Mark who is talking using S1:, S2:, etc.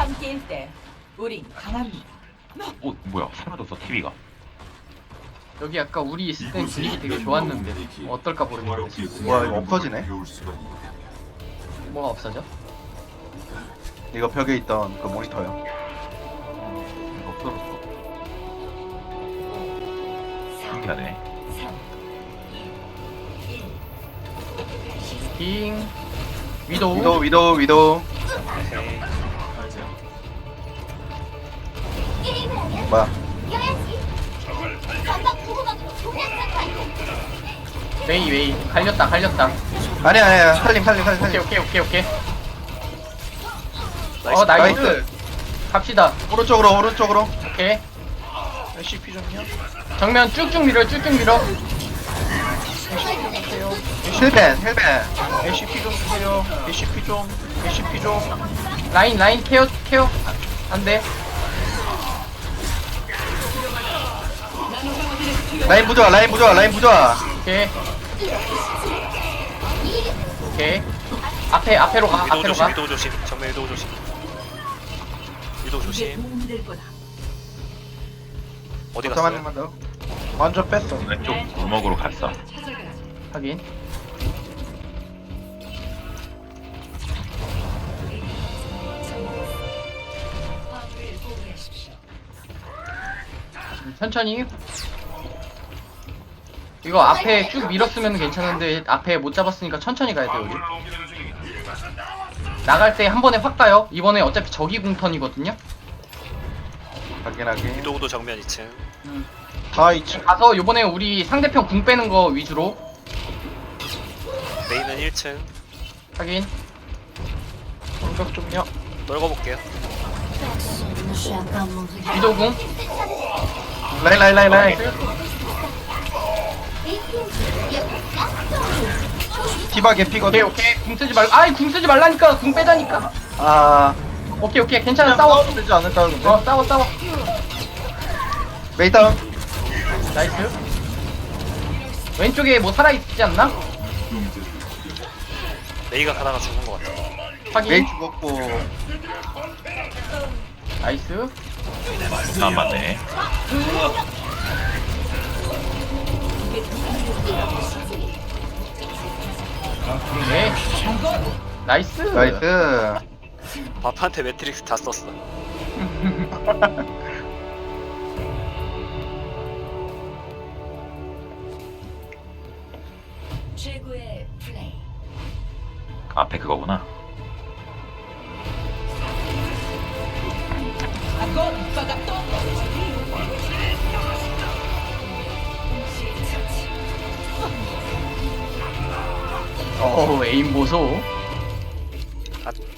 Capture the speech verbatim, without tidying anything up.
S1: 함께일 때 우린 강합니다.
S2: 어 뭐야 사라졌어 티비가.
S3: 여기 아까 우리 있을 땐 분위기 되게 좋았는데 어떨까 모르겠는데
S4: 뭐야 이거 없어지네?
S3: 뭐가 없어져?
S4: 이거 벽에 있던 그 모니터요.
S2: 이거 없어졌어. 신기하네.
S3: 빙 위도우
S4: 위도 위도 위도. 뭐야?
S3: 웨이 웨이 갈렸다 갈렸다
S4: 아니야 아니야 살림 살림 살림
S3: 오케이
S4: 살림.
S3: 오케이 오케이 오케이 어 나이스
S4: 나이스.
S3: 갑시다
S4: 오른쪽으로 오른쪽으로.
S3: 오케이
S4: 씨피 좀요.
S3: 정면 쭉쭉 밀어 쭉쭉 밀어
S4: 힐벤 힐벤. 에이씨피 좀 주세요. 에이씨피 좀. 에이씨피 좀.
S3: 라인 라인 케어 케어 안돼
S4: 라인 부조화 라인 부조화 라인 부조화.
S3: 오케이 오케이 앞에 앞에로 가
S5: 위도우
S3: 앞에로
S5: 조심,
S3: 가
S5: 위도우 조심, 정면 위도우 조심. 위도우
S1: 이게
S5: 조심.
S1: 도움이 될 거다.
S5: 어디
S4: 잠깐만
S5: 갔어요?
S4: 한번 더. 완전 뺐어.
S2: 왼쪽 골목으로 갔어.
S3: 확인 천천히 이거 앞에 쭉 밀었으면 괜찮은데 앞에 못 잡았으니까 천천히 가야 돼 우리 나갈 때 한 번에 확 가요 이번에 어차피 저기 궁턴이거든요
S4: 확인하게.
S5: 위도우도 정면 이 층.
S4: 다 이층.
S3: 가서 요번에 우리 상대편 궁 빼는 거 위주로
S5: 메인은 일 층.
S3: 확인
S4: 공격 좀요.
S5: 떨궈볼게요.
S3: 위도 궁
S4: 라인 라인 라인 라인. 디바
S3: 오케이
S4: 개피거든.
S3: 오케이 궁 쓰지 말고 아이 궁 쓰지 말라니까 궁 빼다니까
S4: 아.
S3: 오케이 오케이 괜찮아 싸워
S4: 되지 않을까 근데.
S3: 어 싸워 싸워
S4: 메이 다운.
S3: 나이스 왼쪽에 뭐 살아있지 않나?
S5: 메이가 가다가 죽은 것 같아.
S3: 확인
S4: 메이 죽었고.
S3: 나이스
S2: 안 맞네.
S3: 네 나이스
S4: 나이스.
S5: 바프한테 매트릭스 다 썼어.
S1: 최고의 플레이.
S2: 앞에 그거구나.
S3: 어 에임 보소
S5: 아,